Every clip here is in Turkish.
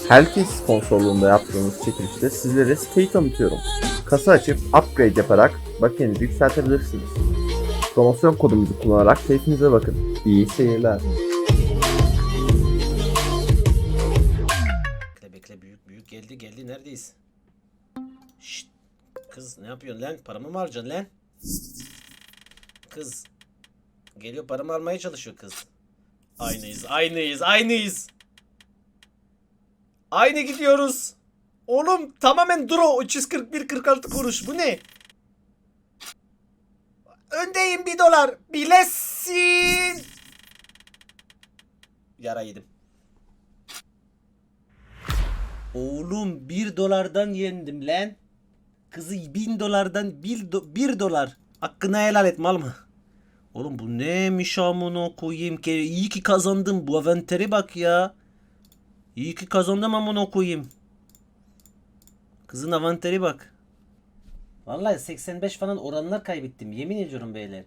Herkes sponsorluğunda yaptığımız çekilişte sizlere siteyi tanıtıyorum. Kasa açıp upgrade yaparak bakiyenizi yükseltebilirsiniz. Promosyon kodumuzu kullanarak keyfinize bakın. İyi seyirler. Bekle büyük geldi neredeyiz? Şşt, kız ne yapıyorsun lan? Paramı mı harcayacaksın lan? Kız geliyor, paramı almaya çalışıyor kız. Aynıyız. Aynı gidiyoruz. Oğlum tamamen duro 341.46 kuruş. Bu ne? Öndeyim $1. Bilesin. Yara yedim. Oğlum $1'dan yendim lan. Kızı $1000'dan $1 dolar. Hakkını helal et mal mı? Oğlum bu neymiş amına koyayım ki? İyi ki kazandım. Bu aventeri bak ya. İyi ki kazandım amına koyayım. Kızın aventeri bak. Vallahi 85 falan oranlar kaybettim. Yemin ediyorum beyler.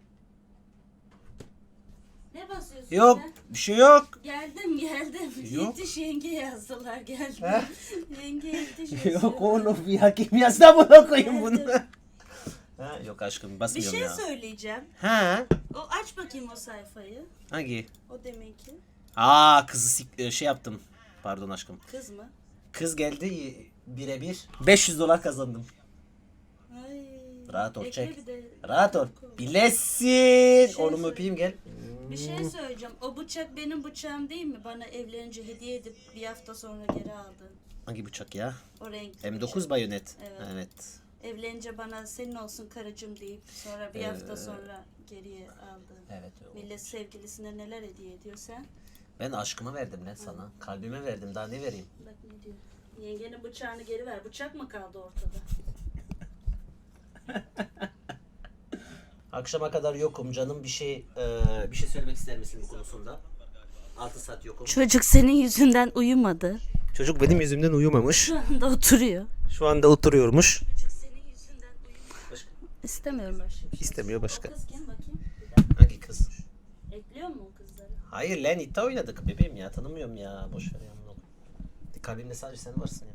Ne basıyorsun Yok sen? bir şey yok. Geldim. Yok. Yetiş yenge yazdılar geldim. He? Yenge yetiş yazıyor. Yok oğlum ya, kim yazdı amına koyayım bunu? Ha, yok aşkım Bir basmıyorum şey ya. söyleyeceğim. Ha? O aç bakayım o sayfayı. Hangi? O demek ki. Kızı şey yaptım. Pardon aşkım. Kız mı? Kız geldi birebir. $500 kazandım. Ay. Rahat ol, Ekle çek. bir de- Rahat ol. Bilesin. Şey Oğlum söyle. öpeyim gel. Bir şey söyleyeceğim. O bıçak benim bıçağım değil mi? Bana evlenince hediye edip bir hafta sonra geri aldın. Hangi bıçak ya? O renkli M9 bıçak. bayonet. Evet. Evet. Evlenince bana senin olsun karıcığım deyip sonra bir hafta sonra geriye aldın. Evet. Millet sevgilisine neler hediye ediyor sen? Ben aşkımı verdim lan sana. Kalbime verdim. Daha ne vereyim? Bak ne diyor. Yengenin bıçağını geri ver. Bıçak mı kaldı ortada? Akşama kadar yokum canım. Bir şey söylemek ister misin bu konusunda? 6 saat yokum. Çocuk senin yüzünden uyumadı. Çocuk benim yüzümden uyumamış. Şu anda oturuyor. Şu anda oturuyormuş. Çocuk senin yüzünden uyumadı. İstemiyorum başka. İstemiyor başka. O kız kim bakayım? Hangi kız? Ekliyor mu o kızları? Hayır lan iddia oynadık bebeğim ya. Tanımıyorum ya. Boş ver ya. Kalbimde sadece sen varsın ya.